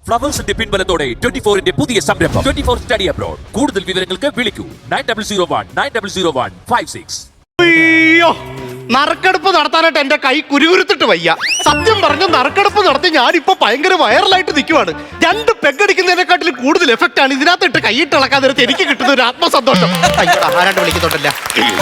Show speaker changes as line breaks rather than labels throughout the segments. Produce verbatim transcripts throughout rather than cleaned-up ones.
ഫ്ലവേഴ്സിന്റെ പിൻബലത്തോടെ twenty ഫോറിന്റെ പുതിയ സംരംഭം ട്വന്റി ഫോർ സ്റ്റഡി അബ്രോഡ്. കൂടുതൽ വിവരങ്ങൾക്ക് വിളിക്കൂ nine double zero one nine double zero one five six.
അയ്യോ, നറുക്കെടുപ്പ് നടത്താനായിട്ട് എന്റെ കൈ കുരുകുരുത്തിട്ട് വയ്യ. സത്യം പറഞ്ഞു, നറുക്കെടുപ്പ് നടത്തി ഞാനിപ്പോ ഭയങ്കര വൈറലായിട്ട് നിൽക്കുവാണ്. രണ്ട് പെഗടിക്കുന്നതിനെക്കാട്ടിലും കൂടുതൽ എഫക്റ്റ് ആണ് ഇതിനകത്ത് ഇട്ട് കൈയിട്ട് ഇളക്കാൻ നേരത്തെ എനിക്ക് കിട്ടുന്ന ഒരു ആത്മസന്തോഷം. അയ്യോ, ആരാണ്ട് വിളിക്കുന്നുണ്ടല്ല.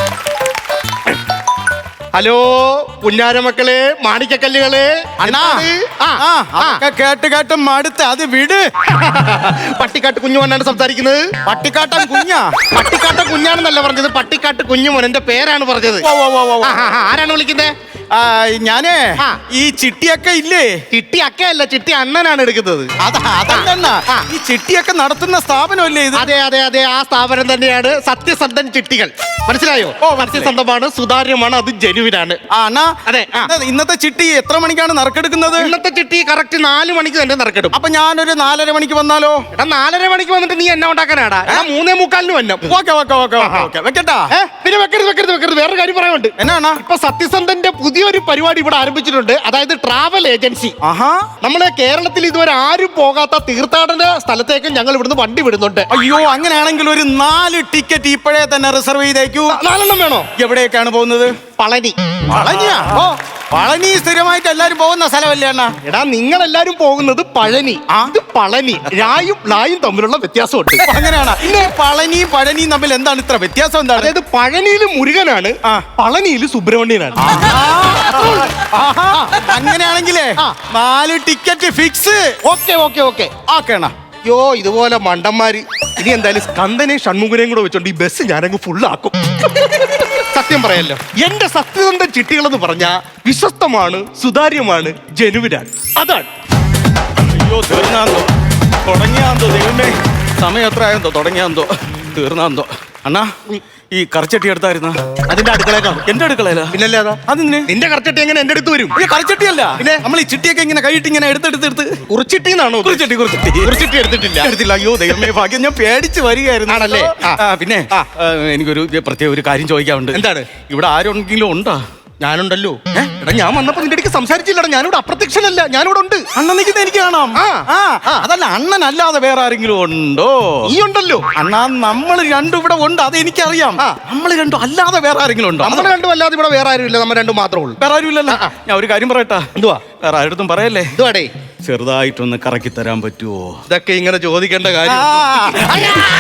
ഹലോ പുന്നാരമക്കളെ, മാണിക്കക്കല്ലുകളെ.
അണ്ണാ, കേട്ട് കേട്ട് മടുത്ത് അത് വിട്.
പട്ടിക്കാട്ട് കുഞ്ഞുമോനാണ് സംസാരിക്കുന്നത്.
പട്ടിക്കാട്ടൻ കുഞ്ഞാ?
പട്ടിക്കാട്ട കുഞ്ഞാണെന്നല്ല പറഞ്ഞത്, പട്ടിക്കാട്ട് കുഞ്ഞുമോൻ എന്റെ പേരാണ് പറഞ്ഞത്.
ഓ, ഓ, ഓ, ഓ.
ആ, ആ, ആരാണ് വിളിക്കുന്നത്?
ആ, ഞാനേ
ആ.
ഈ ചിട്ടിയൊക്കെ ഇല്ലേ?
ചിട്ടി അക്കയല്ല, ചിട്ടി അണ്ണനാണ് എടുക്കുന്നത്.
അതാ അതല്ല, ഈ ചിട്ടിയൊക്കെ നടത്തുന്ന സ്ഥാപനമല്ലേ ഇത്?
അതെ അതെ അതെ, ആ സ്ഥാപനം തന്നെയാണ് സത്യസന്ധൻ ചിട്ടികൾ. മനസ്സിലായോ?
ഓ,
സത്യസന്ധമാണ്, സുതാര്യമാണ്, അത് ജനുവിനാണ്.
ആ, അണ്ണാ,
അതെ, ആ.
ഇന്നത്തെ ചിട്ടി എത്ര മണിക്കാണ് നറുക്കെടുക്കുന്നത്?
ഇന്നത്തെ ചിട്ടി കറക്റ്റ് നാല് മണിക്ക് തന്നെ നറുക്കെടുക്കും.
അപ്പൊ ഞാനൊരു നാലര മണിക്ക് വന്നാലോ?
എടാ, നാലര മണിക്ക് വന്നിട്ട് നീ എന്നെ ഉണ്ടാക്കാനാടാ? എടാ, മൂന്നേ മുക്കാലിന് വന്നം.
ഓക്കെ ഓക്കെ ഓക്കെ ഓക്കെ, വെക്കട്ടാ.
ഏ, പിന്നെ വെക്കരുത് വെക്കരുത് വെക്കരുത്, വേറെ കാര്യം പറയാനുണ്ട്.
എന്നാ?
ഇപ്പൊ സത്യസന്ധന്റെ പുതിയൊരു പരിപാടി ഇവിടെ ആരംഭിച്ചിട്ടുണ്ട്. അതായത് ട്രാവൽ ഏജൻസി.
ആഹാ,
നമ്മളെ കേരളത്തിൽ ഇതുവരെ ആരും പോകാത്ത തീർത്ഥാടന സ്ഥലത്തേക്ക് ഞങ്ങൾ ഇവിടുന്ന് വണ്ടി വിടുന്നുണ്ട്.
അയ്യോ, അങ്ങനെയാണെങ്കിൽ ഒരു നാല് ടിക്കറ്റ് ഇപ്പോഴേ തന്നെ റിസർവ് ചെയ്തേക്കൂ.
നാലെണ്ണം വേണോ?
എവിടേക്കാണ് പോകുന്നത്?
പളനി.
പളനിയാ? ഓ, പളനി സ്ഥിരമായിട്ട് എല്ലാരും പോകുന്ന സ്ഥലമല്ലേ അണ്ണാ?
എടാ, നിങ്ങൾ എല്ലാരും പോകുന്നത് പഴനി, ഇത് പളനി. രായും ലായും തമ്മിലുള്ള വ്യത്യാസമുണ്ട്.
അങ്ങനെയാണ്. പിന്നെ പളനി പഴനി തമ്മിൽ എന്താണ് ഇത്ര വ്യത്യാസം? എന്താണ്?
അതായത് പഴനിയിൽ മുരുകനാണ്,
ആ.
പളനിയിൽ സുബ്രഹ്മണ്യനാണ്.
അങ്ങനെയാണെങ്കിലേ
ആ.
നാല് ticket fix.
Okay okay okay.
ഓക്കേണ.
അയ്യോ, ഇതുപോലെ മണ്ടന്മാര് ഇനി എന്തായാലും സ്കന്ദനെയും ഷൺമുഖനെയും കൂടെ വെച്ചോണ്ട് ഈ ബസ് ഞാനങ്ങ് ഫുള്ളാക്കും. സത്യം പറയല്ലോ, എന്റെ സത്യസന്ധൻ ചിട്ടികൾ എന്ന് പറഞ്ഞാ വിശ്വസ്തമാണ്, സുതാര്യമാണ്, ജനുവിനാണ്. അതാണ്.
അയ്യോ, തീർന്നാന്തോ, തുടങ്ങിയാന്തോ, ദൈവമേ, സമയം എത്ര ആയെന്തോ, തുടങ്ങിയാന്തോ, തീർന്നാന്തോ. അണ്ണാ, ഈ കറച്ചട്ടി എടുത്തായിരുന്ന?
അതിന്റെ അടുക്കളേക്കാണ്.
എന്റെ അടുക്കളയില?
പിന്നല്ലേ അതാ.
അതിന്
നിന്റെ കറച്ചട്ടി എങ്ങനെ എന്റെ അടുത്ത് വരും?
ഈ കറച്ചട്ടിയല്ല,
പിന്നെ
നമ്മൾ ഈ ചിട്ടിയൊക്കെ ഇങ്ങനെ കൈയിട്ട് ഇങ്ങനെ എടുത്തെടുത്തെടുത്ത്.
കുറിച്ചിട്ടിന്നാണോ?
കുറിച്ചട്ടി കുറിച്ചട്ടി
കുറിച്ചിട്ടി എടുത്തിട്ടില്ല.
എടുത്തില്ല. അയ്യോ ദൈവമേ, ഭാഗ്യം, ഞാൻ പേടിച്ച് വരികയായിരുന്നു.
ആണല്ലേ? ആ.
ആ, പിന്നെ
ആ.
ആ, എനിക്കൊരു പ്രത്യേക ഒരു കാര്യം ചോദിക്കാറുണ്ട്.
എന്താണ്?
ഇവിടെ ആരെങ്കിലും ഉണ്ടോ?
ഞാനുണ്ടല്ലോ. എടാ, ഞാൻ വന്നപ്പോ നിന്റെ അടുക്ക് സംസാരിച്ചില്ലടാ. ഞാനിവിടെ അപ്രത്യക്ഷനല്ല, ഞാനിവിടെ ഉണ്ട്.
അണ്ണൻ നിൽക്കുന്ന എനിക്ക് കാണാം.
ആ.
ആ,
ആ.
അതല്ല, അണ്ണൻ അല്ലാതെ വേറെ ആരെങ്കിലും ഉണ്ടോ?
നീ ഉണ്ടല്ലോ.
അണ്ണാ, നമ്മൾ രണ്ടും ഇവിടെ ഉണ്ട്, അത് എനിക്കറിയാം.
ആ.
നമ്മൾ രണ്ടും അല്ലാതെ വേറെ ആരെങ്കിലും ഉണ്ടോ?
നമ്മൾ രണ്ടും അല്ലാതെ ഇവിടെ വേറെ ആരും ഇല്ല, നമ്മൾ രണ്ടും മാത്രമേ ഉള്ളൂ.
വേറെ ആരും ഇല്ലല്ലോ.
ആ, ആ.
ഞാൻ ഒരു കാര്യം പറയട്ടാ.
എന്തുവാ?
വേറെ ആരുടെ പറയല്ലേ?
എന്തുവാടേ?
ചെറുതായിട്ടൊന്ന് കറക്കി തരാൻ പറ്റുമോ?
ഇതൊക്കെ ഇങ്ങനെ ചോദിക്കേണ്ട കാര്യം?
ആ.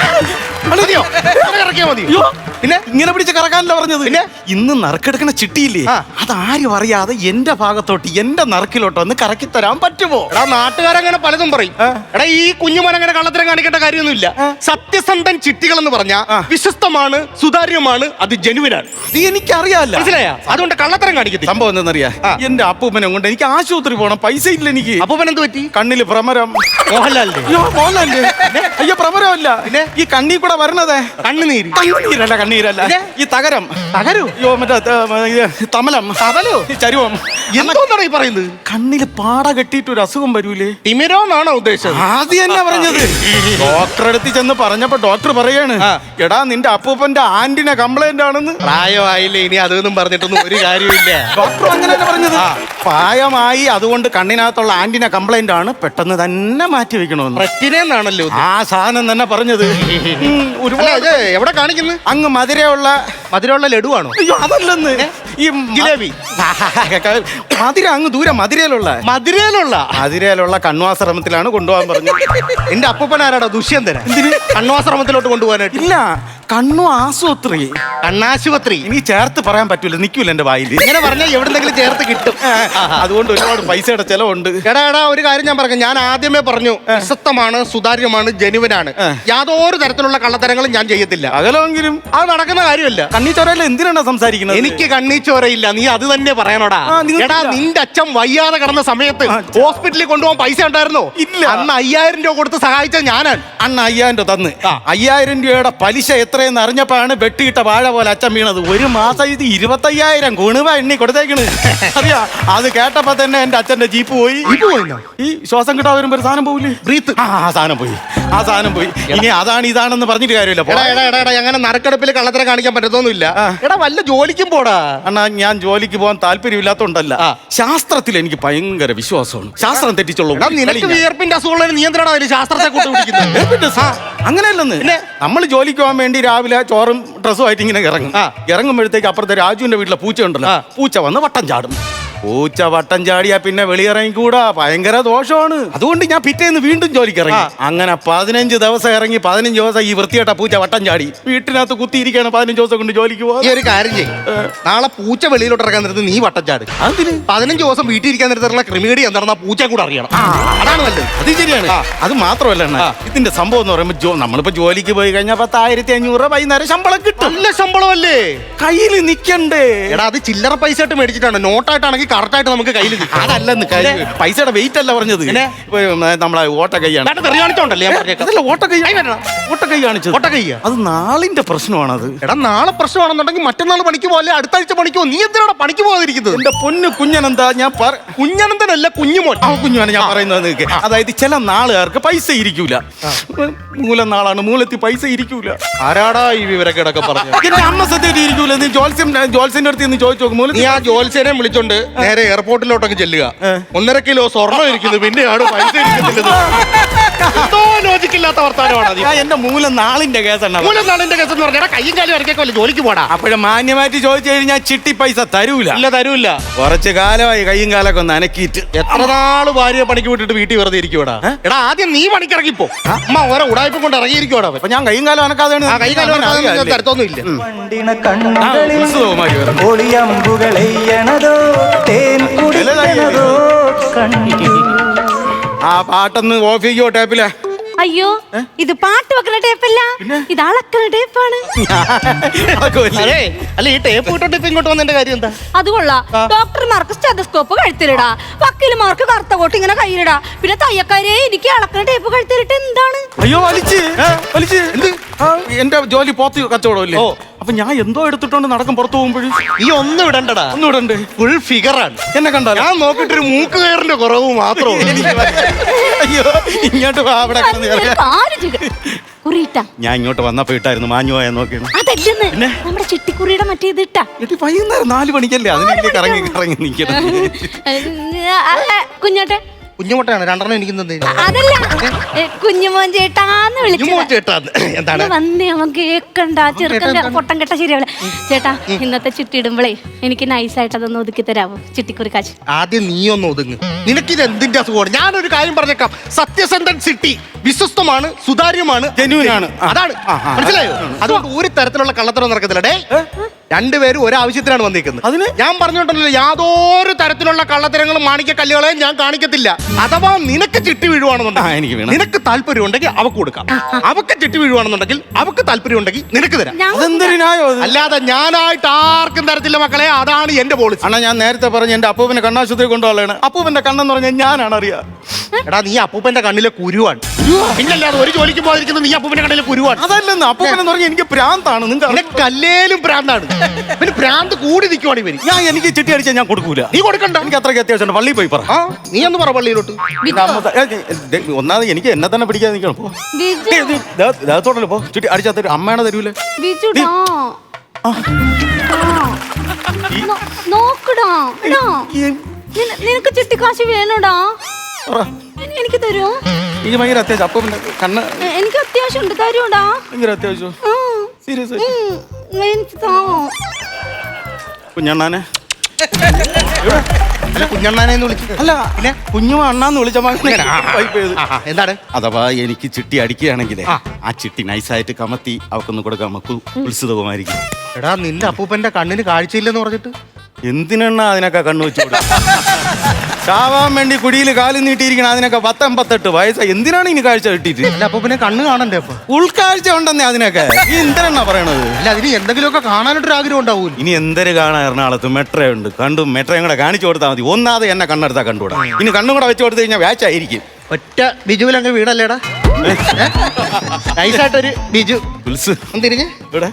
മതിയോ? ഇങ്ങനെ ഇറക്കിയാ മതിയോ?
അയ്യോ,
പിന്നെ
ഇങ്ങനെ പിടിച്ച് കറക്കാനല്ല പറഞ്ഞത്.
പിന്നെ?
ഇന്ന് നറുക്കെടുക്കണ ചിട്ടിയില്ലേ,
ആ.
അതാരും അറിയാതെ എന്റെ ഭാഗത്തോട്ട് എന്റെ നറുക്കിലോട്ട് ഒന്ന് കറക്കി തരാൻ പറ്റുമോ?
എടാ, നാട്ടുകാരങ്ങനെ പലതും പറയും.
ആ.
എടാ, ഈ കുഞ്ഞുമോൻ അങ്ങനെ കള്ളത്തരം കാണിക്കേണ്ട കാര്യമൊന്നുമില്ല.
ആ.
സത്യസന്ധൻ ചിട്ടികൾ എന്ന് പറഞ്ഞാൽ
ആ.
വിശ്വസ്തമാണ്, സുതാര്യമാണ്, അത് ജനുവിനാണ്.
ഇത് എനിക്കറിയാല്ല.
മനസ്സിലായ? അതുകൊണ്ട് കള്ളത്തരം കാണിക്കത്തില്ല.
സംഭവം എന്തെന്നറിയാ?
ആ.
എന്റെ അപ്പൂപ്പനെ കൊണ്ട് എനിക്ക് ആശുപത്രി പോണം, പൈസ ഇല്ല എനിക്ക്.
അപ്പൂപ്പൻ എന്ത് പറ്റി?
കണ്ണില് ഭ്രമരം.
മോഹൻലാലിന്റെ
അയ്യോ, മോഹൻലാലിന്റെ? അയ്യോ, ഭ്രമരമല്ല.
പിന്നെ?
ഈ കണ്ണി കൂടെ വരണതേ
കണ്ണുനീര്.
കണ്ണീരല്ല, കണ്ണീരല്ല,
പിന്നെ?
ഈ തകരം.
തകരു?
അയ്യോ, മറ്റേ ത- ഇത് തമലം.
തമലോ?
ഈ ചരുവം.
എന്തോന്നാണ് ഈ പറയുന്നത്?
കണ്ണില് പാട കെട്ടിയിട്ട് ഒരു അസുഖം വരൂലേ?
തിമിരോ എന്നാണോ ഉദ്ദേശിച്ചത്?
ആദ്യം എന്നാ പറഞ്ഞത്? ഡോക്ടർ അടുത്ത് ചെന്ന് പറഞ്ഞപ്പോ ഡോക്ടർ പറയാണ്,
ആ.
എടാ നിന്റെ അപ്പൂപ്പന്റെ ആന്റിനെ കംപ്ലൈന്റ് ആണെന്ന്.
പ്രായമായില്ലേ, ഇനി അതൊന്നും പറഞ്ഞിട്ടൊന്നും ഒരു കാര്യമില്ല.
ഡോക്ടർ അങ്ങനെ തന്നെ പറഞ്ഞത്. പ്രായമായി, അതുകൊണ്ട് കണ്ണിനകത്തുള്ള ആന്റിനെ കംപ്ലൈന്റ് ആണ്, പെട്ടെന്ന് തന്നെ മാറ്റി വെക്കണമെന്ന്.
പ്രശ്നേന്നാണല്ലോ ഇത്.
ആ സാധനം തന്നെ പറഞ്ഞത്. ഉം,
അല്ല,
ഒരുപാട്
ഇത് എവിടെ കാണിക്കുന്നു?
അങ്ങ് മധുരയുള്ള.
മധുരമുള്ള ലഡുവാണോ?
അയ്യോ, അതല്ലെന്ന്. ഈ
ജിലേബി.
മധുര അങ്ങ് ദൂരെ മധുരയിലുള്ള.
മധുരയിലുള്ള
മധുരയിലുള്ള കണ്വാശ്രമത്തിലാണ് കൊണ്ടുപോകാൻ പറഞ്ഞു.
എന്റെ അപ്പൂപ്പൻ ആരാടാ? ദുഷ്യന്തന.
എന്തിന്?
കണ്വാശ്രമത്തിലോട്ട് കൊണ്ടുപോകാനായിട്ട്.
ഇല്ല, കണ്ണു ആശുപത്രി.
കണ്ണാശുപത്രി.
ഇനി ചേർത്ത് പറയാൻ പറ്റൂല, നിൽക്കൂല എന്റെ വായിൽ.
ഇങ്ങനെ പറഞ്ഞാൽ എവിടെന്നെങ്കിലും ചേർത്ത് കിട്ടും.
അതുകൊണ്ട് ഒരുപാട് പൈസയുടെ ചെലവുണ്ട്.
എടാ എടാ, ഒരു കാര്യം ഞാൻ പറഞ്ഞു. ഞാൻ ആദ്യമേ പറഞ്ഞു, വിശ്വസ്തമാണ്, സുതാര്യമാണ്, ജനുവനാണ്. യാതൊരു തരത്തിലുള്ള കള്ളത്തരങ്ങളും ഞാൻ ചെയ്യത്തില്ല.
അകലെങ്കിലും
അത് നടക്കുന്ന കാര്യമല്ല.
കണ്ണി ചോരയില്ല, എന്തിനാണ് സംസാരിക്കുന്നത്?
എനിക്ക് കണ്ണീച്ചോരയില്ല, നീ അത് തന്നെ പറയണോടാ.
ആ, നിങ്ങൾക്കില്ല.
എടാ, നിന്റെ അച്ഛൻ വയ്യാതെ കിടന്ന സമയത്ത്
ആ,
ഹോസ്പിറ്റലിൽ കൊണ്ടുപോകാൻ പൈസ ഉണ്ടായിരുന്നോ?
ഇല്ല.
അന്ന് അയ്യായിരം രൂപ കൊടുത്ത് സഹായിച്ച ഞാനാണ്.
അണ്ണ അയ്യായിരം രൂപ തന്ന്
ആ.
അയ്യായിരം രൂപയുടെ പലിശ എത്ര എത്രയെന്ന് അറിഞ്ഞപ്പോഴാണ് വെട്ടിയിട്ട വാഴ പോലെ അച്ഛൻ വീണത്. ഒരു മാസം ഇത് ഇരുപത്തയ്യായിരം കുണുവ എണ്ണി കൊടുത്തേക്കണ്. അറിയാ, അത് കേട്ടപ്പോ തന്നെ എന്റെ അച്ഛന്റെ ജീപ്പ് പോയി. ഈ ശ്വാസം കിട്ടാൻ വരുമ്പോ ഒരു സാധനം പോവില്ലേ, ബ്രീത്ത്, ആ ആ സാധനം പോയി, ആ സാധനം പോയി. ഇനി അതാണ് ഇതാണെന്ന് പറഞ്ഞിട്ട് കാര്യമില്ല.
എടാ എടാ എടാ എടാ അങ്ങനെ നറുക്കെടുപ്പിൽ കള്ളത്തരം കാണിക്കാൻ പറ്റത്തൊന്നുമില്ല. എടാ വല്ല ജോലിക്കും പോടാ.
അണ്ണാ, ഞാൻ ജോലിക്ക് പോകാൻ താല്പര്യമില്ലാത്തോണ്ടല്ല, ശാസ്ത്രത്തിൽ എനിക്ക് ഭയങ്കര വിശ്വാസമാണ്. ശാസ്ത്രം തെറ്റിച്ചുള്ള
എടാ നിനക്ക് വിയർപ്പിന്റെ അസുഖമുള്ള നിയന്ത്രണം അതിന് ശാസ്ത്രത്തെ കൂട്ടി പിടിക്കുന്നത്.
അങ്ങനെയല്ലെന്ന്. നമ്മൾ ജോലിക്ക് പോകാൻ വേണ്ടി രാവിലെ ചോറും ഡ്രസ്സും ആയിട്ട് ഇങ്ങനെ ഇറങ്ങും. ഇറങ്ങുമ്പോഴത്തേക്ക് അപ്പുറത്തെ രാജുവിന്റെ വീട്ടിലെ പൂച്ച ഉണ്ടല്ലോ, പൂച്ച വന്ന് വട്ടം ചാടും. പൂച്ച വട്ടം ചാടിയാ പിന്നെ വെളിയിറങ്ങിക്കൂടാ, ഭയങ്കര ദോഷമാണ്. അതുകൊണ്ട് ഞാൻ പിറ്റേന്ന് വീണ്ടും ജോലിക്ക് ഇറങ്ങി. അങ്ങനെ പതിനഞ്ച് ദിവസം ഇറങ്ങി പതിനഞ്ച് ദിവസം ഈ വൃത്തിയായിട്ട പൂച്ച വട്ടം ചാടി വീട്ടിനകത്ത് കുത്തിയിരിക്കുകയാണ്. പതിനഞ്ച് ദിവസം കൊണ്ട് ജോലിക്ക് പോകാൻ.
ഈ ഒരു കാര്യം ചെയ്യും, നാളെ പൂച്ച വെളിയിലോട്ട് ഇറക്കാൻ നേരത്ത് നീ വട്ടം ചാട്. അതിന് പതിനഞ്ച് ദിവസം വീട്ടിൽ ഇരിക്കാൻ നേരത്തുള്ള ക്രിമിനേടി എന്താണെന്ന് ആ പൂച്ച കൂടെ അറിയണം. അതാണ് നല്ലത്.
അത് ശരിയാണ്. അത് മാത്രമല്ല അണ്ണാ, ഇതിന്റെ സംഭവം എന്ന് പറയുമ്പോൾ ജോ നമ്മളിപ്പോ ജോലിക്ക് പോയി കഴിഞ്ഞാൽ പത്തായിരത്തി അഞ്ഞൂറ് രൂപ വൈകുന്നേരം ശമ്പളം കിട്ടും.
നല്ല ശമ്പളമല്ലേ,
കയ്യിൽ നിക്കണ്ടേ?
എടാ അത് ചില്ലറ പൈസ ആയിട്ട് മേടിച്ചിട്ടാണ്, നോട്ടായിട്ടാണെങ്കിൽ കറക്റ്റ് ആയിട്ട് നമുക്ക് കയ്യിൽ നിൽക്കും.
അതല്ലെന്ന് കാര്യം, പൈസയുടെ വെയിറ്റ് അല്ല പറഞ്ഞത്. നമ്മളെ ഓട്ട കൈയാണ്.
കാണിച്ചോണ്ടല്ലേ
അതല്ല, ഓട്ട കൈ, ഓട്ട കൈ കാണിച്ചത്.
ഓട്ട കൈ
അത് നാളിന്റെ പ്രശ്നമാണത്.
എടാ നാളെ പ്രശ്നമാണെന്നുണ്ടെങ്കിൽ മറ്റന്നാൾ പണിക്ക് പോലെ അടുത്ത ആഴ്ച പണിക്കോ. നീ എന്തിനാണ് പണിക്ക് പോകാതിരിക്കുന്നത്?
എന്റെ പൊന്ന് കുഞ്ഞനെന്താ, ഞാൻ
കുഞ്ഞനന്തനല്ല കുഞ്ഞുമോൻ.
ആ കുഞ്ഞുമാണ് ഞാൻ പറയുന്നത്. അതായത് ചില നാളുകാർക്ക് പൈസ ഇരിക്കൂല. മൂലം നാളാണ്, മൂലത്തിൽ പൈസ ഇരിക്കൂല.
ആരാടാ ഈ വിവരക്കേടൊക്കെ പറഞ്ഞു?
എന്റെ അമ്മ സത്യമായിട്ട് ഇരിക്കൂല. നീ ജോത്സ്യം ജോത്സ്യന്റെ അടുത്ത് നിന്ന് ചോദിച്ചു നോക്കും.
നീ ആ ജോത്സ്യനെ വിളിച്ചോണ്ട് നേരെ എയർപോർട്ടിലോട്ടൊക്കെ ചെല്ലുക. ഒന്നര കിലോ സ്വർണ്ണം ഇരിക്കുന്നു, പിന്നെയാണ് പൈസ ഇരിക്കുന്നില്ല. ലോജിക്കില്ലാത്ത വർത്താനമാണ്.
എന്റെ മൂലം നാളിന്റെ കേസാണ്.
മൂലം നാളിന്റെ കേസ് എന്ന് പറഞ്ഞാൽ കയ്യും കാലും ഇറക്കിയൊക്കെ ജോലിക്ക് പോടാ.
അപ്പോഴും മാന്യമായിട്ട് ചോദിച്ചു കഴിഞ്ഞാൽ ചിട്ടി പൈസ തരൂല.
ഇല്ല തരൂല്ല.
കുറച്ച് കാലമായി കയ്യും കാലൊക്കെ ഒന്ന് അനക്കിയിട്ട്.
എത്ര നാള് ഭാര്യ പണിക്ക് വിട്ടിട്ട് വീട്ടിൽ വെറുതെ ഇരിക്കുവാടാ? എടാ ആദ്യം നീ പണിക്കിറങ്ങിപ്പോ. അമ്മ ഓരോ ഉടായ്പ കൊണ്ട് ഇറങ്ങിയിരിക്കുവാടാ.
അപ്പൊ ഞാൻ കയ്യും കാലം അനക്കാതെ
കൈ കാലം തരത്തൊന്നും ഇല്ല.
ആ പാട്ടൊന്ന് ഓഫ് ചെയ്യോ ടേപ്പിലെ.
അയ്യോ, ഇത് പാട്ട് വെക്കണ ടേപ്പല്ല, ഇത് അളക്കണ ടേപ്പാണ്.
അല്ല ഈ ടേപ്പ് ഇട്ടോട്ട് ഇപ്പൊ ഇങ്ങോട്ട് വന്നതിന്റെ കാര്യം എന്താ?
അത് കൊള്ളാം. ഡോക്ടർമാർക്ക് സ്റ്റെതസ്കോപ്പ് കഴുത്തിലിടാ, വക്കീലുമാർക്ക് കറുത്ത കോട്ട് ഇങ്ങനെ കയ്യിലിടാ, പിന്നെ തയ്യക്കാരെ എനിക്ക് അളക്കണ ടേപ്പ് കഴുത്തിലിട്ട് എന്താണ്?
അയ്യോ വലിച്ച് വലിച്ച് എന്ത്? എന്റെ ജോലി പോത്ത് കച്ചവടമല്ലേ? അപ്പൊ ഞാൻ എന്തോ എടുത്തിട്ടോണ്ട് നടക്കും പുറത്തു പോകുമ്പോഴും.
ഈ ഒന്നും ഇടണ്ടടാ.
ഒന്നും ഇടണ്ട്.
ഫുൾ ഫിഗറാണ്.
എന്നെ കണ്ടാ
ഞാൻ നോക്കിട്ടൊരു മൂക്ക് കയറിന്റെ കുറവ് മാത്രമേ.
അയ്യോ ഇങ്ങോട്ട് വാ, അവിടെ ഞാൻ ഇങ്ങോട്ട് വന്നപ്പോ ഇട്ടായിരുന്നു മാഞ്ഞു പോയാ നോക്കിയാണ്.
അതല്ലെന്ന് നമ്മുടെ ചിട്ടിക്കുറിയുടെ മറ്റേ ഇത് ഇട്ടാ.
വൈകുന്നേരം നാല് മണിക്കല്ലേ അതിനെ കറങ്ങി കറങ്ങി നിൽക്കണം.
കുഞ്ഞോട്ടെ
കുഞ്ഞുമോട്ടാണ് രണ്ടെണ്ണം എനിക്ക്
അതല്ല, കുഞ്ഞുമോൻ ചേട്ടാന്ന് വിളിച്ചു.
എന്താണ്
വന്നേ അവൻ കേക്കണ്ട, ചെറുക്കന്റെ പൊട്ടം കെട്ട ശരിയാവില്ല. ചേട്ടാ ഇന്നത്തെ ചിട്ടി ഇടുമ്പളേ എനിക്ക് നൈസായിട്ട് അതൊന്ന് ഒതുക്കി തരാമോ? ചിട്ടിക്കുറി കാശ്
ആദ്യം നീ ഒന്ന് ഒതുങ്ങ്. നിനക്കിത് എന്തിന്റെ അസുഖമാണ്? ഞാനൊരു കാര്യം പറഞ്ഞേക്കാം. സത്യസന്ധൻ സിറ്റി വിശ്വസ്തമാണ്, സുതാര്യമാണ്, ജെന്യൂനാണ്. അതാണ് മനസ്സിലായോ? അതുകൊണ്ട് ഒരു തരത്തിലുള്ള കള്ളത്തരം നടക്കത്തില്ല. ഡേ രണ്ടുപേരും ഒരാവശ്യത്തിനാണ് വന്നിരിക്കുന്നത്. അതിന് ഞാൻ പറഞ്ഞോണ്ടല്ലോ, യാതൊരു തരത്തിലുള്ള കള്ളത്തരങ്ങളും മാണിക്ക കല്ലുകളെയും ഞാൻ കാണിക്കത്തില്ല. അഥവാ നിനക്ക് ചിട്ടി വീഴുവാണെന്നുണ്ടെങ്കിൽ നിനക്ക് താല്പര്യം ഉണ്ടെങ്കിൽ അവക്ക് കൊടുക്കാം. അവക്ക് ചിട്ടി വീഴുവാണെന്നുണ്ടെങ്കിൽ അവക്ക് താല്പര്യം ഉണ്ടെങ്കിൽ നിനക്ക് തരാം. അല്ലാതെ ഞാനായിട്ട് ആർക്കും തരത്തില്ല മക്കളെ. അതാണ് എന്റെ പോളിസി.
അണ്ണാ ഞാൻ നേരത്തെ പറഞ്ഞ എന്റെ അപ്പൂപ്പനെ കണ്ണാശുപത്രി കൊണ്ടുപോകാനാണ്. അപ്പൂപ്പന്റെ കണ്ണെന്ന് പറഞ്ഞാൽ ഞാനാണ് അറിയാ.
എടാ നീ അപ്പൂപ്പന്റെ കണ്ണിലെ കുരുവാണ്. പിന്നല്ലാതെ ഒരു ജോലിക്ക് പോകാതിരിക്കുന്നത് നീ അപ്പൂപ്പന്റെ കണ്ണിലെ കുരുവാണ്.
അതല്ലെന്ന് അപ്പൂപ്പനെന്ന് പറഞ്ഞാൽ എനിക്ക് പ്രാന്താണ്.
നിങ്ങൾക്ക് അല്ലേലും പ്രാന്താണ്. പിന്നെ പ്രാന്ത് കൂടി നിൽക്കുവാണ് ഇവര്.
ഞാൻ എനിക്ക് ചിട്ടി അടിച്ചാൽ ഞാൻ കൊടുക്കൂല.
നീ കൊടുക്കണ്ട.
എനിക്ക് അത്രയ്ക്ക് അത്യാവശ്യം പള്ളിയിൽ പോയി പറ.
നീ ഒന്ന് പറ പള്ളിയിലോട്ട്.
ഒന്നാമത് എനിക്ക് എന്നെ തന്നെ പിടിക്കാതെ നിൽക്കണം. ദേഹത്തോടല്ലോ പോ. ചിട്ടി അടിച്ചാൽ തരും. അമ്മയാണ് തരൂലേ.
നോക്കടാ, നിനക്ക് ചിട്ടിക്കാശ് വേണോടാ? എനിക്ക് തരുമോ?
എനിക്ക് ഭയങ്കര അത്യാവശ്യം. അപ്പൂപ്പന്റെ കണ്ണ്
എനിക്ക് അത്യാവശ്യം ഉണ്ട്. തരുമോടാ?
ഭയങ്കര അത്യാവശ്യം. സീരിയസ് കുഞ്ഞണ്ണാനെ
കുഞ്ഞണ്ണാനെന്ന് വിളിച്ചു.
അല്ല പിന്നെ കുഞ്ഞു അണ്ണാന്ന് വിളിച്ച
എന്താണ്?
അഥവാ എനിക്ക് ചിട്ടി അടിക്കുകയാണെങ്കിലേ ആ ചിട്ടി നൈസായിട്ട് കമത്തി അവക്കൊന്ന് കൊടുക്കാൻ നമുക്ക് ഉത്സുതമായിരിക്കും.
എടാ നിന്റെ അപ്പൂപ്പന്റെ കണ്ണിന് കാഴ്ചയില്ലെന്ന് പറഞ്ഞിട്ട്
എന്തിനെണ്ണ അതിനൊക്കെ കണ്ണു വെച്ചു ചാവാൻ വേണ്ടി കുടിയിൽ കാലും നീട്ടിയിരിക്കണം. അതിനൊക്കെ പത്തൊമ്പത്തെട്ട് വയസ്സാ. എന്തിനാണ് ഇനി കാഴ്ച കിട്ടിയിട്ട്?
അല്ല അപ്പൂപ്പനെ കണ്ണ് കാണണ്ടേ? അപ്പൊ
ഉൾക്കാഴ്ച ഉണ്ടെന്നേ അതിനൊക്കെ. ഈ എന്തിനാ പറയണത്?
അല്ല അതിന് എന്തെങ്കിലുമൊക്കെ കാണാനായിട്ടൊരു ആഗ്രഹം ഉണ്ടാവൂല.
ഇനി എന്തൊരു കാണാൻ എറണാകുളത്ത് മെട്രോ ഉണ്ട്. കണ്ടും മെട്രോയും കൂടെ കാണിച്ചു കൊടുത്താൽ മതി. ഒന്നാതെ എന്നെ കണ്ണെടുത്താൽ കണ്ടുകൂടാ. ഇനി കണ്ണും കൂടെ വെച്ച് കൊടുത്തു കഴിഞ്ഞാൽ വ്യാച്ചായിരിക്കും.
ഒറ്റ ബിജുവിലങ്ങ് വീടല്ലേടാ. നൈസായിട്ടൊരു ബിജു
ഉത്സ്
തിരിഞ്ഞ്
ഇവിടെ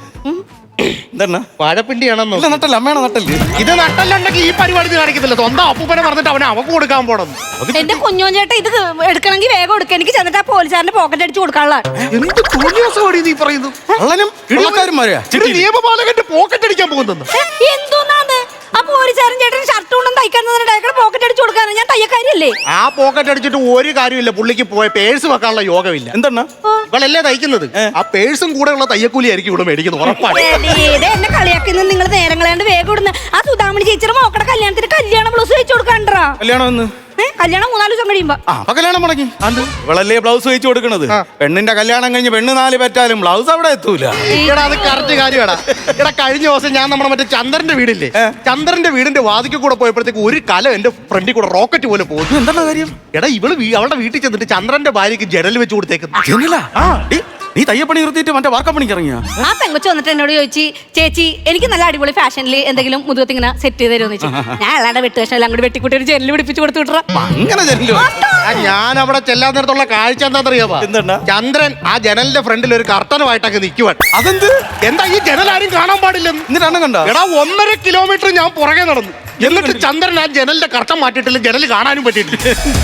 എന്താണ്
വാഴപ്പിണ്ടിയാണെന്നോ
ഇല്ല നട്ടല്ല അമ്മയാണ് നട്ടല്
ഇത് നട്ടല്ലുണ്ടെങ്കിൽ ഈ പരിപാടി ഇത് കാണിക്കത്തില്ല. സ്വന്തം അപ്പൂപ്പനെ പറഞ്ഞിട്ട് അവനെ അവക്ക് കൊടുക്കാൻ പോണം.
എന്റെ കുഞ്ഞോൻ ചേട്ടാ ഇത് എടുക്കണമെങ്കിൽ വേഗം എടുക്കുക. എനിക്ക് ചെന്നിട്ട് ആ പോലീസുകാരന്റെ പോക്കറ്റ് അടിച്ച് കൊടുക്കാനുള്ള
എന്ത് തോന്നിയാസമാണ് നീ പറയുന്നു?
കള്ളനും ഇളക്കാരന്മാരെയാ
ഇത് നിയമപാലകന്റെ പോക്കറ്റ് അടിക്കാൻ പോകുന്നു.
എന്തോന്നാന്ന് ആ പോലീസുകാരൻ ചേട്ടൻ ഷർട്ട് കൊണ്ടും തയ്ക്കാൻ പോക്കറ്റ് അടിച്ച് കൊടുക്കാനാണ്. ഞാൻ തയ്യക്കാരിയല്ലേ?
ആ പോക്കറ്റ് അടിച്ചിട്ട് ഒരു കാര്യമില്ല. പുള്ളിക്ക് പോയ പേഴ്സ് വെക്കാനുള്ള യോഗമില്ല.
എന്താണ്
ഇവളല്ലേ തയ്ക്കുന്നത്? ആ പേഴ്സും കൂടെ ഉള്ള തയ്യക്കൂലി ആയിരിക്കും ഇവിടെ മേടിക്കുന്നത് ഉറപ്പാണ്.
എന്നെ കളിയാക്കുന്നത് നിങ്ങൾ നേരം കളയാണ്ട് വേഗം ഇടുന്ന ആ സുധാമണി ചേച്ചിയുടെ മോക്കടെ കല്യാണത്തിന് കല്യാണം ബ്ലൗസ് വെച്ച് കൊടുക്കാണ്ടാ.
കല്യാണം എന്ന്
കല്യാണം മൂന്നാല് ദിവസം കഴിയുമ്പോ
ആ അപ്പൊ കല്യാണം മുടങ്ങി ഇവളല്ലേ ബ്ലൗസ് വെച്ച് കൊടുക്കണത്. പെണ്ണിന്റെ കല്യാണം കഴിഞ്ഞ് പെണ്ണ് നാല് പറ്റാലും ബ്ലൗസ് അവിടെ എത്തൂല.
എടാ അത് കറക്റ്റ് കാര്യമാടാ. എടാ കഴിഞ്ഞ ദിവസം ഞാൻ നമ്മുടെ മറ്റേ ചന്ദ്രന്റെ വീടില്ലേ, ചന്ദ്രന്റെ വീടിന്റെ വാതിക്കൽ കൂടെ പോയപ്പോഴത്തേക്ക് ഒരു കല എന്റെ ഫ്രണ്ടിൽ കൂടെ റോക്കറ്റ് പോലെ പോകും.
എന്താണ് കാര്യം?
എടാ ഇവള് വീ- അവളുടെ വീട്ടിൽ ചെന്നിട്ട് ചന്ദ്രന്റെ ഭാര്യക്ക് ജനൽ വെച്ച് കൊടുത്തേക്കുന്നു.
ജനലാ? ഡി, നീ തയ്യപ്പണി നിർത്തിയിട്ട് മറ്റേ വാർക്കപ്പണിക്ക് ഇറങ്ങിയ
ആ പെങ്കൊച്ച് വന്നിട്ട് എന്നോട് ചോദിച്ചു, ചേച്ചി എനിക്ക് നല്ല അടിപൊളി ഫാഷനിൽ എന്തെങ്കിലും മുതുകത്ത് ഇങ്ങനെ സെറ്റ് ചെയ്ത് തരുമെന്ന് ചോദിച്ചു. ഞാൻ അല്ലാണ്ട് വെട്ടുകശം എല്ലാം കൂടി വെട്ടിക്കൂട്ടി ഒരു ജനലിൽ പിടിപ്പിച്ച് കൊടുത്തു വിട്ടു.
അങ്ങനെ ജനലോ?
ആ, ഞാൻ അവിടെ ചെല്ലാൻ നേരത്തുള്ള കാഴ്ച എന്താണെന്നറിയാമോ?
എന്താണ്?
ചന്ദ്രൻ ആ ജനലിന്റെ ഫ്രണ്ടിൽ ഒരു കർട്ടനുമായിട്ടൊക്കെ നിൽക്കുവാൻ.
അതെന്ത്?
എന്താ ഈ ജനൽ ആരും കാണാൻ പാടില്ലെന്ന്?
എന്നിട്ടാണ് കണ്ട
എടാ ഒന്നര കിലോമീറ്റർ ഞാൻ പുറകെ നടന്നു. എന്നിട്ട് ചന്ദ്രൻ ആ ജനലിന്റെ കർട്ടൻ മാറ്റിയിട്ടില്ല, ജനൽ കാണാനും പറ്റിയിട്ടില്ല.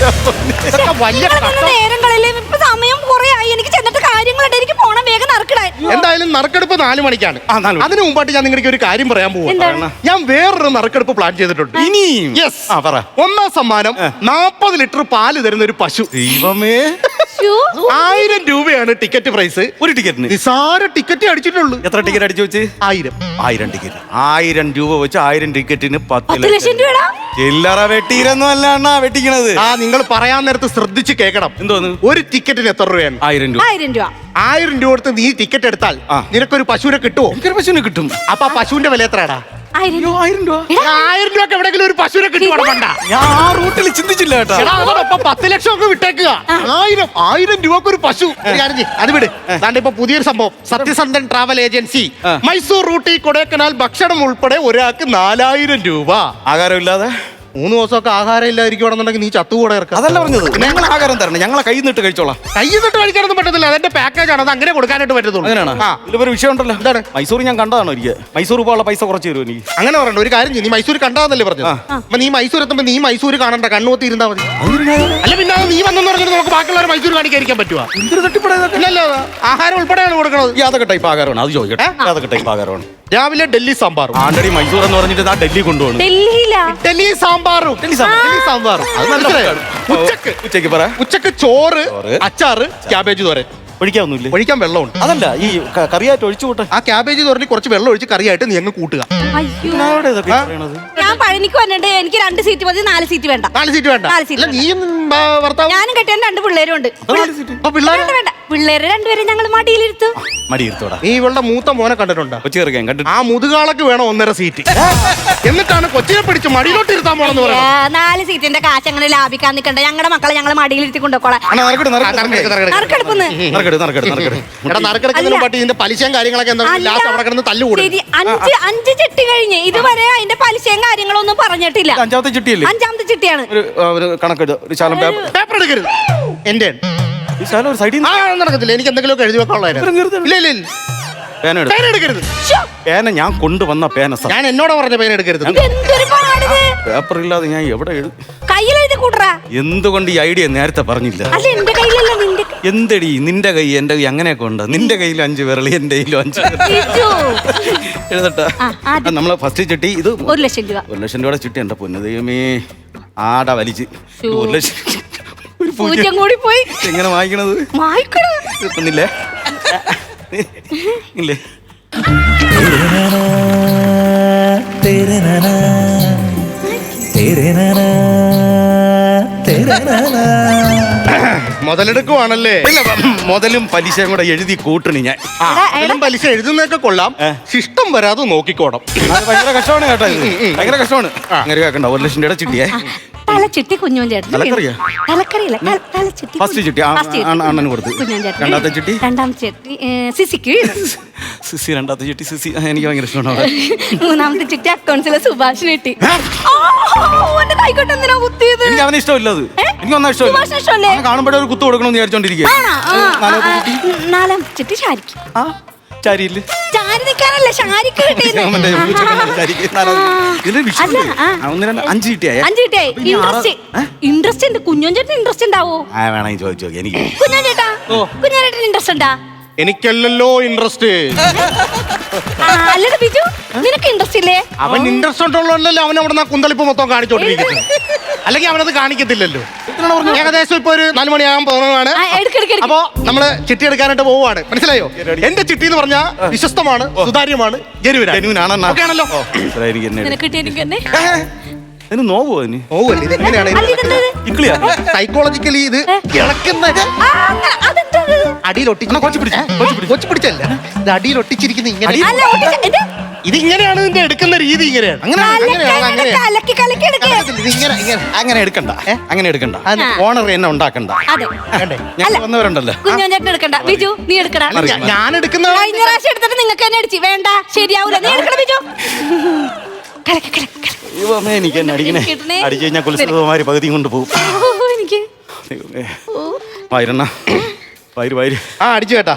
ഇതൊക്കെ വലിയ കഷ്ടം.
നേരം കളയില്ലേ? ഇപ്പൊ സമയം കുറെ ആയി. എനിക്ക് ചെന്നിട്ട് കാര്യങ്ങളുണ്ട്. എനിക്ക് പോണം വേഗം നറുക്കിടാൻ.
എന്തായാലും നറുക്കെടുപ്പ് നാല് മണിക്കാണ്.
ആ, നാല് മണി.
അതിനു മുമ്പായിട്ട് ഞാൻ നിങ്ങൾക്ക് ഒരു കാര്യം പറയാൻ പോവാ.
എന്താണ്?
ഞാൻ വേറൊരു നറുക്കെടുപ്പ് പ്ലാൻ ചെയ്തിട്ടുണ്ട്.
ഇനിയും?
യെസ്.
ആ, പറ.
ഒന്നാം സമ്മാനം നാപ്പത് ലിറ്റർ പാല് തരുന്ന ഒരു പശു.
ദൈവമേ,
ശ്ശോ.
ആയിരം രൂപയാണ് ടിക്കറ്റ് പ്രൈസ്.
ഒരു ടിക്കറ്റിന്
നിസാര ടിക്കറ്റ് അടിച്ചിട്ടുള്ളൂ.
എത്ര ടിക്കറ്റ് അടിച്ചു വെച്ച്?
ആയിരം.
ആയിരം ടിക്കറ്റ്. ആയിരം രൂപ വെച്ച് ആയിരം ടിക്കറ്റിന് പത്ത്
പത്ത് ലക്ഷം രൂപടാ.
ചില്ലറ വെട്ടിയിരൊന്നും അല്ല അണ്ണാ വെട്ടിക്കണത്.
ആ നിങ്ങൾ പറയാൻ നേരത്ത് ശ്രദ്ധിച്ച് കേൾക്കണം.
എന്തോന്ന്?
ഒരു ടിക്കറ്റിന് എത്ര രൂപയാണ്?
ആയിരം രൂപ.
ആയിരം രൂപ.
ആയിരം രൂപ കൊടുത്ത് നീ ടിക്കറ്റ് എടുത്താൽ
ആ.
നിനക്കൊരു പശുവിനെ കിട്ടുമോ?
എനിക്കൊരു പശുവിനെ കിട്ടും.
അപ്പൊ ആ പശുവിന്റെ വില എത്രയാടാ?
ആയിരം
അയ്യോ, ആയിരം രൂപ.
എടാ,
ആയിരം രൂപക്ക് എവിടെയെങ്കിലും ഒരു പശുവിനെ കിട്ടുവാണ് പണ്ട.
ഞാൻ ആ റൂട്ടിൽ ചിന്തിച്ചില്ല കേട്ടാ.
എടാ, അതോടൊപ്പം പത്ത് ലക്ഷം ഒക്കെ വിട്ടേക്കുക. ആയിരം ആയിരം രൂപക്ക് ഒരു പശു. ഒരു കാര്യം ചെയ്യ്, അത് വിട്. അതാണ്ട് ഇപ്പൊ പുതിയൊരു സംഭവം. സത്യസന്ധൻ ട്രാവൽ ഏജൻസി
ആ.
മൈസൂർ റൂട്ടി കൊടൈക്കനാൽ ഭക്ഷണം ഉൾപ്പെടെ ഒരാൾക്ക് നാലായിരം രൂപ.
ആകാരമില്ലാതെ
മൂന്ന് ദിവസമൊക്കെ ആഹാരം ഇല്ലാതിരിക്കുവാണെന്നുണ്ടെങ്കിൽ നീ ചത്തുകൂടെ ഇറക്കാം.
അതല്ല പറഞ്ഞത്. ഞങ്ങൾ ആഹാരം തരണം, ഞങ്ങളെ കൈ നിട്ട് കഴിച്ചോളാം.
കയ്യിൽ നിന്നിട്ട് കഴിക്കാനൊന്നും പറ്റത്തില്ല. അതെന്റെ പാക്കേജ് ആണ്. അത് അങ്ങനെ കൊടുക്കാനായിട്ട് പറ്റത്തുള്ളൂ.
അങ്ങനെയാണ്.
ആ.
ഇതിലൊരു വിഷയം ഉണ്ടല്ലോ.
എന്താണ്?
മൈസൂർ ഞാൻ കണ്ടതാണ് ഒരിക്കൽ. മൈസൂർ പോകാനുള്ള പൈസ കുറച്ച് തരുമോ എനിക്ക്?
അങ്ങനെ പറയണ്ട. ഒരു കാര്യം ചെയ്യ്, നീ മൈസൂർ കണ്ടാന്നല്ലേ പറഞ്ഞത്. അപ്പൊ നീ മൈസൂർ എത്തുമ്പോ നീ മൈസൂർ കാണണ്ട, കണ്ണുകൊത്തി ഇരുന്നാ മതി. അല്ല പിന്നെ അത് നീ വന്നെന്ന് പറഞ്ഞിട്ട് നമുക്ക് ബാക്കിയുള്ളവരെ മൈസൂർ കാണിക്കാതിരിക്കാൻ പറ്റുവാ?
എന്തൊരു തട്ടിപ്പടയതൊക്കെ.
ഇല്ലല്ലോ, ആഹാരം ഉൾപ്പെടെയാണ് കൊടുക്കുന്നത്.
ഈ അതൊക്കെ ടൈപ്പ് ആകാരമാണ്. അത് ചോദിക്കട്ടെ. അതൊക്കെ ടൈപ്പ് ആകാരമാണ്.
രാവിലെ ഡൽഹി സാമ്പാറും.
ആണ്ടടി മൈസൂർ എന്ന് പറഞ്ഞിട്ട് ആ ഡൽഹി കൊണ്ടുപോകണം.
ഡൽഹിയിലാ.
ഡൽഹി സാമ്പാറും.
ഡൽഹി സാമ്പാർ.
ഡൽഹി സാമ്പാറും.
അത് നല്ല
മനസ്സിലായോ?
ഫുഡാണ്.
ഉച്ചക്ക്
ഉച്ചയ്ക്ക് പറ.
ഉച്ചക്ക് ചോറ്,
ചോറ്,
അച്ചാറ്, ക്യാബേജ് തോരൻ.
ഒഴിക്കാവുന്നില്ലേ?
ഒഴിക്കാൻ വെള്ളമുണ്ട്.
അതല്ല ഈ ക- കറിയായിട്ട് ഒഴിച്ചു കൂട്ടെ.
ആ ക്യാബേജ് തോരന് കുറച്ച് വെള്ളം ഒഴിച്ച് കറിയായിട്ട് നീ അങ്ങ് കൂട്ടുക.
അയ്യോ.
അവിടെ ഇതൊക്കെ പറയണത്.
ഞാൻ പഴനിക്ക് വന്നിട്ട് എനിക്ക് രണ്ട് സീറ്റ് മതി, നാല് സീറ്റ് വേണ്ട.
നാല് സീറ്റ് വേണ്ട.
നാല് seat
അല്ല നീയും ആ, ഭർത്താവും.
ഞാനും കെട്ടിയാൻ രണ്ട് പിള്ളേരും ഉണ്ട്.
അപ്പൊ നാല് seat.
അപ്പൊ പിള്ളേരെ
വേണ്ട വേണ്ട, പിള്ളേരെ രണ്ടുപേരും ഞങ്ങൾ മടിയിലിരുത്തും.
മടി ഇരുത്തോടാ.
നീ ഇവളുടെ മൂത്ത മോനെ കണ്ടിട്ടുണ്ടോ?
കൊച്ചു കയറിക്കാൻ കണ്ടിട്ട്
ആ മുതുകാളക്ക് വേണം ഒന്നര സീറ്റ്. എന്നിട്ടാണ് കൊച്ചിനെ പിടിച്ച് മടിയിലോട്ട് ഇരുത്താൻ പോണെന്ന്
ആ,
പറയുന്നത്.
നാല് സീറ്റിന്റെ കാശ് അങ്ങനെ ലാഭിക്കാൻ നിൽക്കണ്ട. ഞങ്ങളുടെ മക്കളെ ഞങ്ങൾ മടിയിലിരുത്തി കൊണ്ടുപോക്കോളാം.
അണ്ണാ നറുക്കെടു,
ആ,
നറുക്കെടു,
നറുക്കെടുക്ക്, നറുക്കെടുക്ക്.
നറുക്കെടുക്കുന്നു.
നറുക്കെടു, നറുക്കെടു, നറുക്കെടു.
എടാ നറുക്കെടുക്കുന്നതിന് പാട്ടി ഇതിന്റെ പലിശയും കാര്യങ്ങളൊക്കെ എന്താ
അല്ല,
ലാസ്റ്റ് അവിടെ കിടന്ന് തല്ലുകൂടും.
ശരി, അഞ്ച് അഞ്ച് ചിട്ടി കഴിഞ്ഞ് ഇതുവരെ അതിന്റെ പലിശയും കാര്യങ്ങളൊന്നും പറഞ്ഞിട്ടില്ല.
ഇത് അഞ്ചാമത്തെ ചിട്ടിയല്ലേ?
അഞ്ചാമത്തെ ചിട്ടിയാണ്.
ഒരു ആ, ഒരു കണക്കെടു, ഒരു ശാലം പേപ്പർ.
പേപ്പർ എടുക്കരുത്. എന്റെ
ഈ ശാലം ഒരു സൈഡിൽ
ആ നടക്കത്തില്ല. എനിക്ക് എന്തെങ്കിലുമൊക്കെ എഴുതി വെക്കാനുള്ളതായിരുന്നു. ഇല്ല ഇല്ല ഇല്ല.
പേന എടുത്തു.
പേന എടുക്കരുത്.
ശ്ശോ,
പേന ഞാൻ കൊണ്ടുവന്ന പേന സാർ.
ഞാൻ എന്നോട് പറഞ്ഞ പേന എടുക്കരുത്.
ഇതെന്തൊരു പാടിത്.
പേപ്പർ ഇല്ലാതെ ഞാൻ എവിടെ എഴുതി?
കയ്യിലെഴുതി കൂട്ടറാ.
എന്തുകൊണ്ട് ഈ ഐഡിയ നേരത്തെ പറഞ്ഞില്ല?
അല്ല എന്റെ കയ്യിലല്ല, നിന്റെ
എന്തടി നിന്റെ കൈ എന്റെ കൈ അങ്ങനെയൊക്കെ ഉണ്ട്. നിന്റെ കയ്യിലും അഞ്ച് വിരളി എന്റെ കയ്യിലും അഞ്ച് വിരളി.
ബിജു.
എഴുതട്ടെ.
ആ, ആദ്യം.
നമ്മള് ഫസ്റ്റ് ചിട്ടി ഇത്
ഒരു ലക്ഷം രൂപ.
ഒരു ലക്ഷം രൂപയുടെ ചിട്ടി എന്റെ പൊന്നു ദൈവമേ. ആട വലിച്ച്
ശോ.
ഒരു ലക്ഷം ഒരു പൂജ്യം
പൂജ്യം കൂടി പോയി.
എങ്ങനെ വായിക്കണത്?
വായിക്കണോ?
കിട്ടുന്നില്ലേ? ഇല്ലേ?
तेरे नाना तेरे नाना तेरे नाना तेरे नाना
മുതലെടുക്കുവാണല്ലേ?
ഇല്ല, മുതലും പലിശയും കൂടെ എഴുതി കൂട്ടണി ഞാൻ.
ആ,
എടാ,
ഇതിലും പലിശ എഴുതുന്നതൊക്കെ കൊള്ളാം.
ഏ.
ശിഷ്ടം വരാതെ നോക്കിക്കോണം.
അത് ഭയങ്കര കഷ്ടമാണ് കേട്ടോ ഇത്. ഭയങ്കര കഷ്ടമാണ്. അങ്ങനെ കേൾക്കണ്ട. ഒരു ലക്ഷം രൂപയുടെ ചിട്ടിയേ.
തലച്ചിട്ടി കുഞ്ഞോൻ ചേട്ടൻ
തലക്കറിയാ?
തലക്കറിയില്ല ത- തലച്ചിട്ടി
First ചിട്ടി, ആ,
First
ആ, അണ്ണന് കൊടുത്ത്.
കുഞ്ഞോൻ ചേട്ടൻ
രണ്ടാമത്തെ ചിട്ടി?
രണ്ടാമത്തെ ചിട്ടി ഏ, സിസിക്ക്
സിസി രണ്ടാമത്തെ ചിട്ടി സിസി ആ, എനിക്ക് ഭയങ്കര ഇഷ്ടമാണ് അവളെ.
മൂന്നാമത്തെ ചിട്ടി അക്കൗണ്ട്സിലെ സുഭാഷിന് കിട്ടി എന്റെ കൈക്കോട്ട് എന്തിനാ കുത്തിയത്
എനിക്ക് അവനെ ഇഷ്ടമില്ല അത്
ഏ?
എനിക്ക് ഒന്നും ഇഷ്ടമില്ല
സുഭാഷിന് ഇഷ്ടമല്ലേ?
അവനെ കാണുമ്പോഴേ ഒരു കുത്തു കൊടുക്കണമെന്ന് വിചാരിച്ചോണ്ടിരിക്കുക
ആണോ? ആ, ആ, ആ, നാലാമത്തെ ചിട്ടി ഷാരിക്ക്
ആ ചാരിയില്ലേ
ചാരി നിൽക്കാനല്ല ഷാരിക്ക് കിട്ടിയത്
അവന്റെ പൂച്ചക്കുഞ്ഞിന്റെ ചാരിക്ക് നാലാമത്തെ. ഇതിന്റെ വിഷയം
അല്ല,
ഉണ്ട്.
ആ.
ആ, ഒന്ന് രണ്ട് അഞ്ച് ചിട്ടിയായ
അഞ്ച് കിട്ടിയായി ഇൻട്രസ്റ്റ് ഇൻട്രസ്റ്റ് ഉണ്ട് കുഞ്ഞോൻ ചേട്ടൻ ഇൻട്രസ്റ്റ് ഉണ്ടാവോ
ആ വേണമെങ്കിൽ ചോദിച്ചു നോക്കി എനിക്ക്
കുഞ്ഞോൻ ചേട്ടാ കുഞ്ഞോൻ ചേട്ടൻ ഇൻട്രസ്റ്റ് ഉണ്ടാ
എനിക്കല്ലല്ലോ ഇൻട്രസ്റ്റ്.
ആ, അല്ലടാ ബിജു നിനക്ക് ഇൻട്രസ്റ്റ് ഇല്ലേ
അവൻ ഇൻട്രസ്റ്റ് ഉള്ളതല്ലോ അവൻ അവിടെ നിന്ന് കുന്തളിപ്പ് മൊത്തം കാണിച്ചോണ്ടിരിക്കുന്നത്. അല്ലെങ്കിൽ അവനത് കാണിക്കത്തില്ലല്ലോ. ഏകദേശം ഇപ്പൊ ഒരു നാല് മണിയാകാൻ പോകുന്നതാണ്.
ആ, എടുക്ക്, എടുക്ക്, എടുക്ക്.
അപ്പോ നമ്മള് ചിട്ടി എടുക്കാനായിട്ട് പോവുകയാണ്. മനസ്സിലായോ? എന്റെ ചിട്ടി എന്ന് പറഞ്ഞാൽ വിശ്വസ്തമാണ്, സുതാര്യമാണ്, ജനുവിനാണ്.
ജനുവിനാണെന്നാ?
ഓക്കേ ആണല്ലോ?
ഓ, ഇത്രേ എനിക്ക് തന്നെ
നിനക്ക് കിട്ടിയ എനിക്ക് തന്നെ
അതിന് നോവോ അതിന്
പോവല്ലേ? ഇത് എങ്ങനെയാണ്
അല്ല, ഇതെന്തത്?
ഇക്ലിയാ
സൈക്കോളജിക്കലി ഇത് ഇളക്കുന്ന
ആ, അങ്ങനെ, അതെന്തത്?
അടിയിൽ ഒട്ടിച്ച് കൊച്ചു പിടിച്ചല്ല, ഇത് അടിയിൽ ഒട്ടിച്ചിരിക്കുന്ന ഇങ്ങനെ.
അല്ല, ഒട്ടിച്ച- ഇത്
ഇത് ഇങ്ങനെയാണ് ഇതിന്റെ എടുക്കുന്ന രീതി. ഇങ്ങനെയാണ് അങ്ങനെ
കലക്കി,
അങ്ങനെയാണ് അങ്ങനെ
കലക്കി, കലക്കി എടുക്ക്.
ഇത് ഇങ്ങനെ ഇങ്ങനെ
അങ്ങനെ എടുക്കണ്ട അങ്ങനെ എടുക്കണ്ട
ആ.
ഓണർ എന്നെ ഉണ്ടാക്കണ്ട
അതെ
വേണ്ടേ?
ഞാൻ
അല്ല.
വന്നവരുണ്ടല്ലോ
കുഞ്ഞോൻ ചേട്ടൻ എടുക്കണ്ട ബിജു നീ എടുക്കടാ
അല്ല, ഞാ- ഞാൻ എടുക്കുന്ന
കഴിഞ്ഞ പ്രാവശ്യം എടുത്തിട്ട് നിങ്ങൾക്ക് തന്നെ അടിച്ചു വേണ്ട ശരിയാവൂല നീ എടുക്കണ ബിജു കലക്കി, കലക്കി, കലക്കി.
ദൈവമേ, എനിക്ക് എന്നെ അടിക്കണേ
കിട്ടണേ.
അടിച്ചു കഴിഞ്ഞാൽ കുലസുമാരി പകുതിയും കൊണ്ട് പോകും
ഓ, എനിക്ക്
ദൈവമേ. വയറണ്ണ വയറ് വയറ്
ആ അടിച്ചു കേട്ടാ.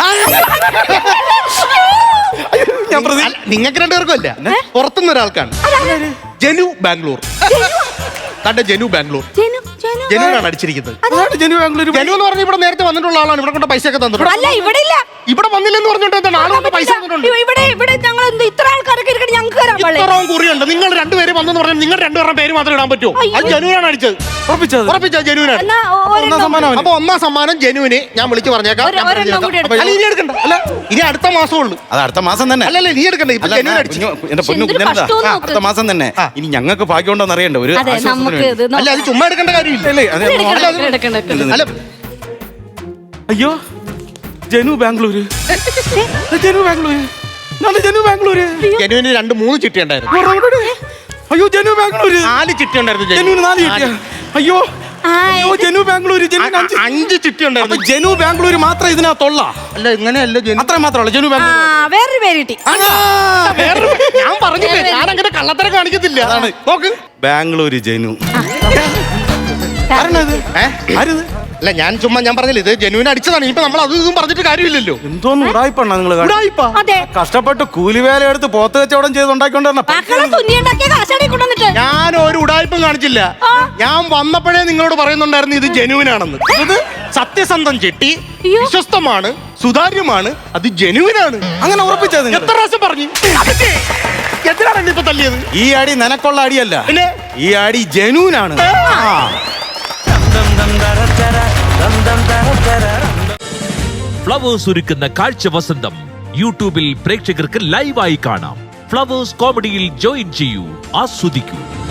ഞാൻ പ്രതി
അല്ല, നിങ്ങൾക്ക് രണ്ടുപേർക്കും അല്ല, പുറത്തുനിന്ന് ഒരാൾക്കാണ്. ജനു ബാംഗ്ലൂർ. തന്റെ ജനു ബാംഗ്ലൂർ.
ജനു, ജനു.
ജനുവിനാണ് അടിച്ചിരിക്കുന്നത്.
അതാണ് ജനു ബാംഗ്ലൂർ
ജനു എന്ന് പറഞ്ഞ ഇവിടെ നേരത്തെ വന്നിട്ടുള്ള ആളാണ്. ഇവിടെ കൊണ്ട് പൈസ ഒക്കെ തന്നിട്ടുണ്ട്.
അല്ല ഇവിടെ ഇല്ല
ഇവിടെ വന്നില്ലെന്ന് പറഞ്ഞിട്ട് എന്താണ് ആള് കൊണ്ട് പൈസ തന്നിട്ടുണ്ട്.
ഇവിടെ ഇവിടെ ഞങ്ങൾ എന്ത് ഇത്ര ആൾക്കാരൊക്കെ ഇരിക്കട്ടെ ഞങ്ങൾക്ക് തരാൻ പാടില്ലേ?
ഇത്രയും കുറിയുണ്ട്. നിങ്ങൾ രണ്ടുപേര് വന്നെന്ന് പറഞ്ഞാൽ നിങ്ങൾ രണ്ടുപേരുടെ പേര് മാത്രമേ ഇടാൻ പറ്റൂ.
അയ്യോ.
അത് ജനുവിനാണ് അടിച്ചത്.
ഉറപ്പിച്ചത്
ഉറപ്പിച്ച ജനുവിനാണ്.
എന്നാ ഒ-
ഒന്നാം
ഒരെണ്ണം
സമ്മാനം അവന്.
അപ്പൊ ഒന്നാം സമ്മാനം ജനുവിന് ഞാൻ വിളിച്ചു പറഞ്ഞേക്കാം.
ഒരു-
ഞാൻ
ഒരെണ്ണം
പറഞ്ഞേക്കാം.
കൂടി
അപ്പൊ അല്ല, ഇനി എടുക്കണ്ട. അല്ല ഇനി അടുത്ത മാസമേ ഉള്ളൂ.
അത് അടുത്ത മാസം തന്നെ
അല്ലല്ല നീ എടുക്കണ്ട. ഇപ്പൊ
അല്ല,
ജനുവിന്
ഞാൻ
അടിച്ചു.
കുഞ്ഞു- എന്റെ പൊന്നു
എന്തൊരു
കുഞ്ഞെന്താ
കഷ്ടമെന്ന് നോക്ക്.
അടുത്ത മാസം തന്നെ
ആ.
ഇനി ഞങ്ങൾക്ക് ഭാഗ്യമുണ്ടോന്ന് അറിയണ്ട ഒരു
അതെ
ആശ്വാസത്തിന്
നമുക്ക്
വേണ്ടി.
ഇത്
അല്ല അത്
നോക്കാം.
ചുമ്മാ എടുക്കേണ്ട കാര്യമില്ല.
അല്ലേ, അതെ,
എടുക്കണം,
അല്ല,
എടുക്കണം, എടുക്കണം, എടുക്കണം.
അല്ല
അയ്യോ ജനു ബാംഗ്ലൂര് ജനു ബാംഗ്ലൂര് നല്ല ജനു ബാംഗ്ലൂര്
ജനുവിന് രണ്ട് മൂന്ന് ചിട്ടി ഉണ്ടായിരുന്നു.
അയ്യോ ജനു ബാംഗ്ലൂര്
നാല് ചിട്ടി ഉണ്ടായിരുന്നു.
ജനുവിന് നാല് കിട്ടിയ അയ്യോ
ആ,
അയ്യോ
ഇത്
ജനു ബാംഗ്ലൂര് ജനുവിന് അഞ്ച്
അഞ്ച് ചിട്ടി
അപ്പൊ
ഉണ്ടായിരുന്നു.
ജനു ബാംഗ്ലൂര് മാത്രം ഇതിനകത്തുള്ള
അല്ല ഇങ്ങനെയല്ല ജനു.
അത്ര മാത്രമല്ല ജനു
ആ
ബാംഗ്ലൂർ
വേറൊരു പേര് കിട്ടി
വേറെ ഞാൻ പറഞ്ഞില്ലേ ഞാൻ അങ്ങനെ കള്ളത്തരം കാണിക്കത്തില്ല.
അതാണ്.
നോക്ക്.
ബാംഗ്ലൂര് ജനു ആരാണത്
ഏ?
ആരിത്
അല്ല ഞാൻ ചുമ്മാ ഞാൻ പറഞ്ഞില്ല ഇത് ജനുവിന് അടിച്ചതാണ്. ഇപ്പൊ നമ്മൾ അതും ഇതും പറഞ്ഞിട്ട് കാര്യമില്ലല്ലോ.
എന്തോന്ന് ഉടായിപ്പണ്ണ നിങ്ങള്
ഉടായിപ്പാ.
അതെ
കഷ്ടപ്പെട്ട് കൂലിവേല എടുത്ത് പോത്ത് കച്ചവടം ചെയ്ത് ഉണ്ടാക്കിക്കൊണ്ടിരുന്ന
മക്കളെ തുന്നിയുണ്ടാക്കിയ കാശാടി കൊണ്ടുവന്നിട്ട്
ഞാൻ ഒരു ഉടായ്പും കാണിച്ചില്ല.
ആ.
ഞാൻ വന്നപ്പോഴേ നിങ്ങളോട് പറയുന്നുണ്ടായിരുന്നു ഇത് ജനുവിനാണെന്ന്. ഇത് സത്യസന്ധം ചെട്ടി
അയ്യോ.
വിശ്വസ്തമാണ്, സുതാര്യമാണ്, അത് ജനുവിനാണ്.
അങ്ങനെ ഉറപ്പിച്ചത് നിങ്ങൾ
എത്ര പ്രാവശ്യം പറഞ്ഞു? അതൊക്കെ എന്തിനാണ് എന്നെ ഇപ്പൊ തല്ലിയത്?
ഈ അടി നിനക്കുള്ള അടിയല്ല
പിന്നെ
ഈ അടി ജനൂനാണ് ആ.
ഫ്ലവേഴ്സ് ഒരുക്കുന്ന കാഴ്ച വസന്തം യൂട്യൂബിൽ പ്രേക്ഷകർക്ക് ലൈവായി കാണാം. ഫ്ലവേഴ്സ് കോമഡിയിൽ ജോയിൻ ചെയ്യൂ, ആസ്വദിക്കൂ.